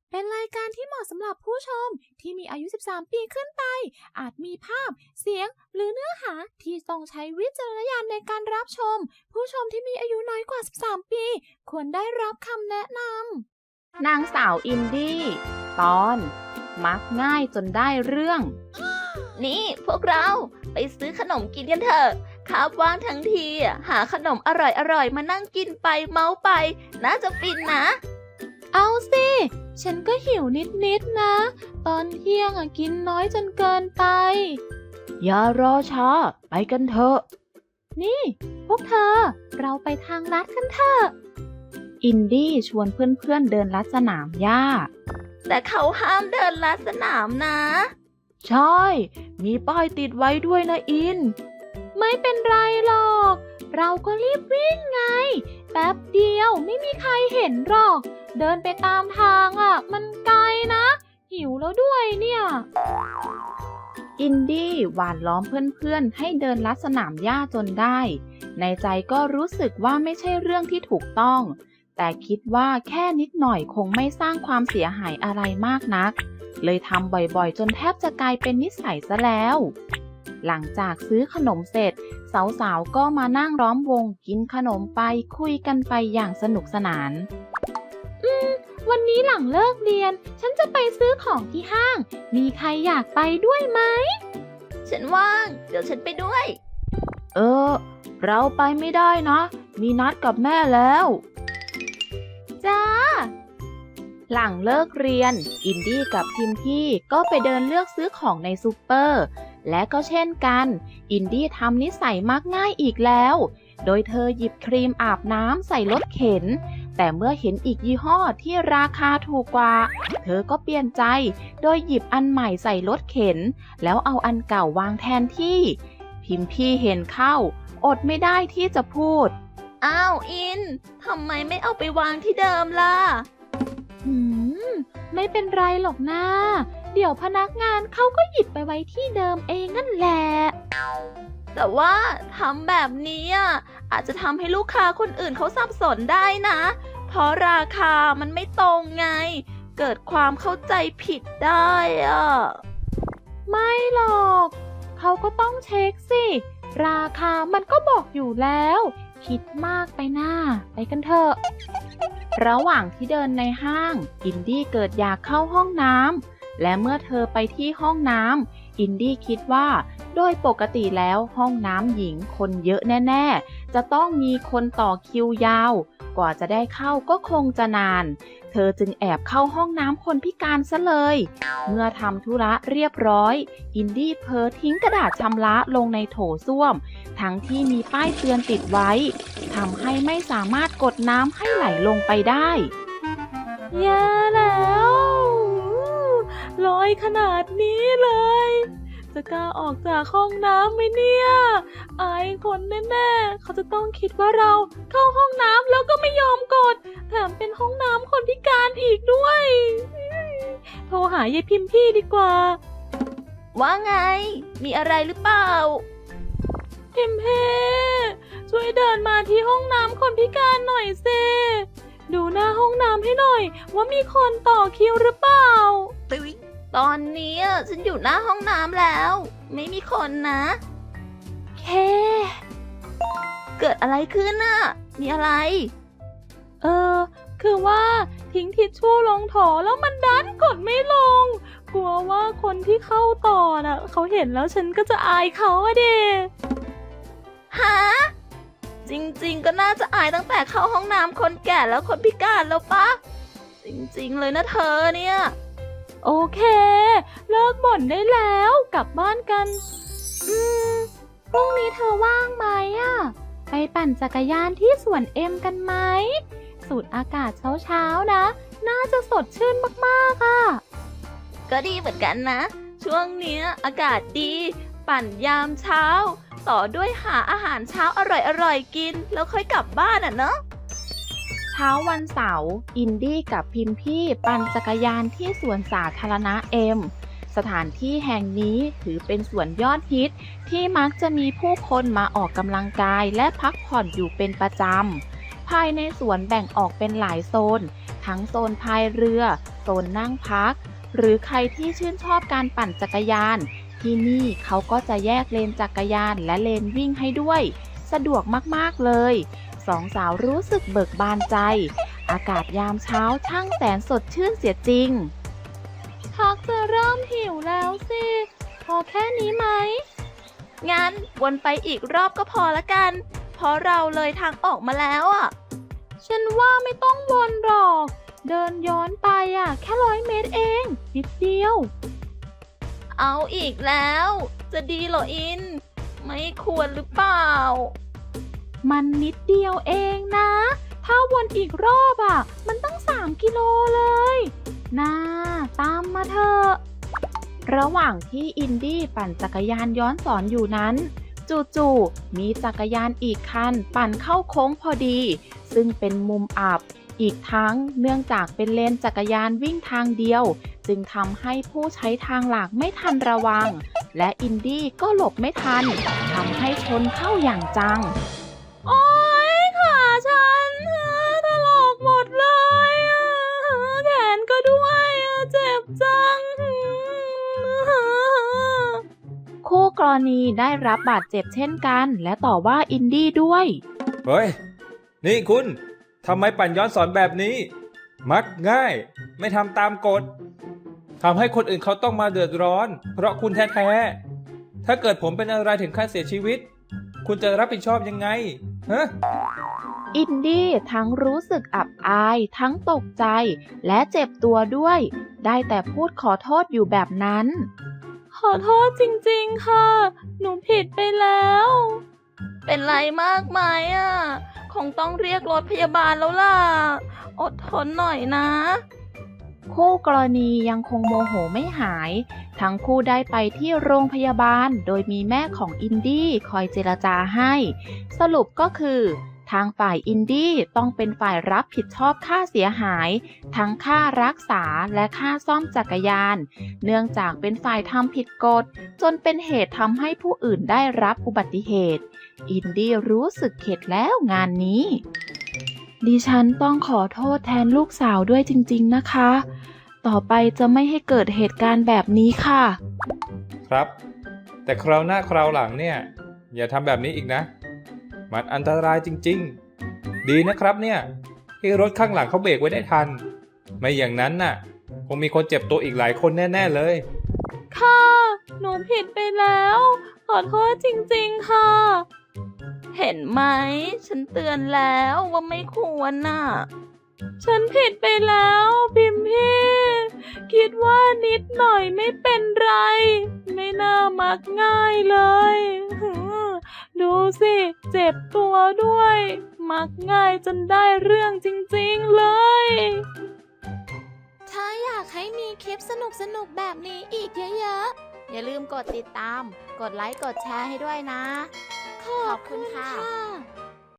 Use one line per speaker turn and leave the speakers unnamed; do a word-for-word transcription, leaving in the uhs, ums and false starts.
เป็นรายการที่เหมาะสำหรับผู้ชมที่มีอายุ สิบสาม ปีขึ้นไป อาจมีภาพ เสียง หรือเนื้อหาที่ต้องใช้วิจารณญาณในการรับชม ผู้ชมที่มีอายุน้อยกว่า สิบสาม ปี ควรได้รับคำแนะน
ำ นางสาวอินดี้ ตอน มักง่ายจนได้เรื่อง
นี่พวกเราไปซื้อขนมกินกันเถอะคาบว่างทั้งทีหาขนมอร่อยๆมานั่งกินไปเมาไปน่าจะฟินนะ
เอาสิ ฉันก็หิวนิดๆนะ ตอนเที่ยงอ่ะกินน้อยจนเกินไป
อย่ารอช้า ไปกันเถอะ
นี่พวกเธอ เราไปทางลัดกันเถอะ
อินดี้ชวนเพื่อนๆเดินลัดสนามหญ้า
แต่เขาห้ามเดินลัดสนามนะ
ใช่ มีป้ายติดไว้ด้วยนะอิน
ไม่เป็นไรหรอก เราก็รีบวิ่งไง แป๊บเดียวไม่มีใครเห็นหรอก เดินไปตามทางอ่ะมันไกลนะ หิวแล้วด้วยเนี่ย
อินดี้หวานล้อมเพื่อนๆให้เดินลัดสนามหญ้าจนได้ ในใจก็รู้สึกว่าไม่ใช่เรื่องที่ถูกต้อง แต่คิดว่าแค่นิดหน่อยคงไม่สร้างความเสียหายอะไรมากนัก เลยทำบ่อยๆจนแทบจะกลายเป็นนิสัยซะแล้ว หลังจากซื้อขนมเสร็จสาวๆก็มานั่งล้อมวงกินขนมไปคุยกันไปอย่างสนุกสนาน
อืมวันนี้หลังเลิกเรียนฉันจะไปซื้อของที่ห้างมีใครอยากไปด้วยไหม
ฉันว่างเดี๋ยวฉันไปด้วย
เออเราไปไม่ได้นะมีนัดกับแม่แล้ว
จ้า
หลังเลิกเรียนอินดี้กับพิมพี่ก็ไปเดินเลือกซื้อของในซูเปอร์และก็เช่นกันอินดี้ทำนิสัยมักง่ายอีกแล้วโดยเธอหยิบครีมอาบน้ำใส่รถเข็นแต่เมื่อเห็นอีกยี่ห้อที่ราคาถูกกว่าเธอก็เปลี่ยนใจโดยหยิบอันใหม่ใส่รถเข็นแล้วเอาอันเก่าวางแทนที่พิมพี่เห็นเข้าอดไม่ได้ที่จะพูด
อ้าวอินทำไมไม่เอาไปวางที่เดิมล่ะ
หืมไม่เป็นไรหรอกนะเดี๋ยวพนักงานเขาก็หยิบไปไว้ที่เดิมเองนั่นแหละ
แต่ว่าทำแบบนี้อาจจะทำให้ลูกค้าคนอื่นเขาสับสนได้นะเพราะราคามันไม่ตรงไงเกิดความเข้าใจผิดได้อ่ะ
ไม่หรอกเขาก็ต้องเช็คสิราคามันก็บอกอยู่แล้วคิดมากไปหน้าไปกันเถอะ
ระหว่างที่เดินในห้างอินดี้เกิดอยากเข้าห้องน้ำและเมื่อเธอไปที่ห้องน้ำอินดี้คิดว่าโดยปกติแล้วห้องน้ำหญิงคนเยอะแน่ๆจะต้องมีคนต่อคิวยาวกว่าจะได้เข้าก็คงจะนานเธอจึงแอบเข้าห้องน้ำคนพิการซะเลยเมื่อทำธุระเรียบร้อยอินดี้เผลอทิ้งกระดาษชำระลงในโถส้วมทั้งที่มีป้ายเตือนติดไว้ทำให้ไม่สามารถกดน้ำให้ไหลลงไปได้
แย่แล้วลอยขนาดนี้เลยจะกล้าออกจากห้องน้ำไหมเนี่ยอายคนแน่ๆเขาจะต้องคิดว่าเราเข้าห้องน้ำแล้วก็ไม่ยอมกดแถมเป็นห้องน้ำคนพิการอีกด้วยโทรหายายพิมพี่ดีกว่า
ว่าไงมีอะไรหรือเปล่า
พิมพี่ช่วยเดินมาที่ห้องน้ำคนพิการหน่อยสิดูหน้าห้องน้ำให้หน่อยว่ามีคนต่อคิวหรือเปล่า
ตึ๊ยตอนนี้ฉันอยู่หน้าห้องน้ำแล้วไม่มีคนนะ
เค
เกิดอะไรขึ้นน่ะมีอะไร
เออคือว่าทิ้งทิชชู่ลงโถแล้วมันดันกดไม่ลงกลัวว่าคนที่เข้าต่อน่ะเขาเห็นแล้วฉันก็จะอายเขาอะเด
ฮะจริงๆก็น่าจะอายตั้งแต่เข้าห้องน้ำคนแก่แล้วคนพิการแล้วปะจริงๆเลยนะเธอเนี่ย
โอเคเลิกบ่นได้แล้วกลับบ้านกันอืมพรุ่งนี้เธอว่างไหมอ่ะไปปั่นจักรยานที่สวนเอ็มกันไหมสูดอากาศเช้าๆนะน่าจะสดชื่นมากๆอ่ะ
ก็ดีเหมือนกันนะช่วงนี้อากาศดีปั่นยามเช้าต่อด้วยหาอาหารเช้าอร่อยๆกินแล้วค่อยกลับบ้านอ่ะเนาะ
เช้าวันเสาร์อินดี้กับพิมพี่ปั่นจักรยานที่สวนสาธารณะเอ็มสถานที่แห่งนี้ถือเป็นสวนยอดฮิตที่มักจะมีผู้คนมาออกกำลังกายและพักผ่อนอยู่เป็นประจำภายในสวนแบ่งออกเป็นหลายโซนทั้งโซนพายเรือโซนนั่งพัก หรือใครที่ชื่นชอบการปั่นจักรยาน ที่นี่เขาก็จะแยกเลนจักรยานและเลนวิ่งให้ด้วย สะดวกมากๆเลยสองสาวรู้สึกเบิกบานใจ อากาศยามเช้าช่างแสนสดชื่นเสียจริง
ชักจะเริ่มหิวแล้วสิ พอแค่นี้ไหม
งั้นวนไปอีกรอบก็พอละกัน เพราะเราเลยทางออกมาแล้วอ่ะ
ฉันว่าไม่ต้องวนหรอก เดินย้อนไปอ่ะ แค่ร้อยเมตรเอง นิดเดียว
เอาอีกแล้ว จะดีเหรออิน ไม่ควรหรือเปล่า
มันนิดเดียวเองนะ ถ้าวนอีกรอบอ่ะ มันตั้งสามกิโลเลยน่าตามมาเถอะ
ระหว่างที่อินดี้ปั่นจักรยานย้อนสอนอยู่นั้น จู่ๆมีจักรยานอีกคันปั่นเข้าโค้งพอดี ซึ่งเป็นมุมอับ อีกทั้งเนื่องจากเป็นเลนจักรยานวิ่งทางเดียว จึงทำให้ผู้ใช้ทางหลักไม่ทันระวัง และอินดี้ก็หลบไม่ทันทำให้ชนเข้าอย่างจัง
โอ๊ยขาฉันถลอกหมดเลยอ่ะแขนก็ด้วยอ่ะเจ็บจัง
คู่กรณีได้รับบาดเจ็บเช่นกัน และต่อว่าอินดี้ด้วย
เฮ้ย นี่คุณ ทำไมปั่นย้อนสอนแบบนี้ มักง่าย ไม่ทำตามกฎ ทำให้คนอื่นเขาต้องมาเดือดร้อน เพราะคุณแท้ๆ ถ้าเกิดผมเป็นอะไรถึงขั้นเสียชีวิต คุณจะรับผิดชอบยังไง ฮะ
อินดี้ทั้งรู้สึกอับอาย ทั้งตกใจ และเจ็บตัวด้วย ได้แต่พูดขอโทษอยู่แบบนั้น
ขอโทษจริงๆค่ะ หนูผิดไปแล้ว
เป็นไรมากไหมอ่ะ คงต้องเรียกรถพยาบาลแล้วล่ะ อดทนหน่อยนะ
คู่กรณียังคงโมโหไม่หาย ทั้งคู่ได้ไปที่โรงพยาบาล โดยมีแม่ของอินดี้คอยเจรจาให้ สรุปก็คือ ทางฝ่ายอินดี้ต้องเป็นฝ่ายรับผิดชอบค่าเสียหาย ทั้งค่ารักษาและค่าซ่อมจักรยาน เนื่องจากเป็นฝ่ายทำผิดกฎ จนเป็นเหตุทำให้ผู้อื่นได้รับอุบัติเหตุ อินดี้รู้สึกเข็ดแล้วงานนี้
ดิฉันต้องขอโทษแทนลูกสาวด้วยจริงๆนะคะ ต่อไปจะไม่ให้เกิดเหตุการณ์แบบนี้ค่ะ
ครับ แต่คราวหน้าคราวหลังเนี่ย อย่าทำแบบนี้อีกนะ มันอันตรายจริงๆ ดีนะครับเนี่ยที่รถข้างหลังเขาเบรกไว้ได้ทัน ไม่อย่างนั้นน่ะ คงมีคนเจ็บตัวอีกหลายคนแน่ๆเลย
ค่ะ หนูผิดไปแล้ว ขอโทษจริงๆค่ะ
เห็นไหม ฉันเตือนแล้วว่าไม่ควรน่ะ
ฉันผิดไปแล้วพิมพี่ คิดว่านิดหน่อยไม่เป็นไร ไม่น่ามักง่ายเลยหือดูสิ เจ็บตัวด้วย มักง่ายจนได้เรื่องจริงๆเลย
ถ้าอยากให้มีคลิปสนุกๆแบบนี้อีกเยอะๆ อย่าลืมกดติดตาม กดไลค์ กดแชร์ให้ด้วยนะ ขอบคุณค่ะ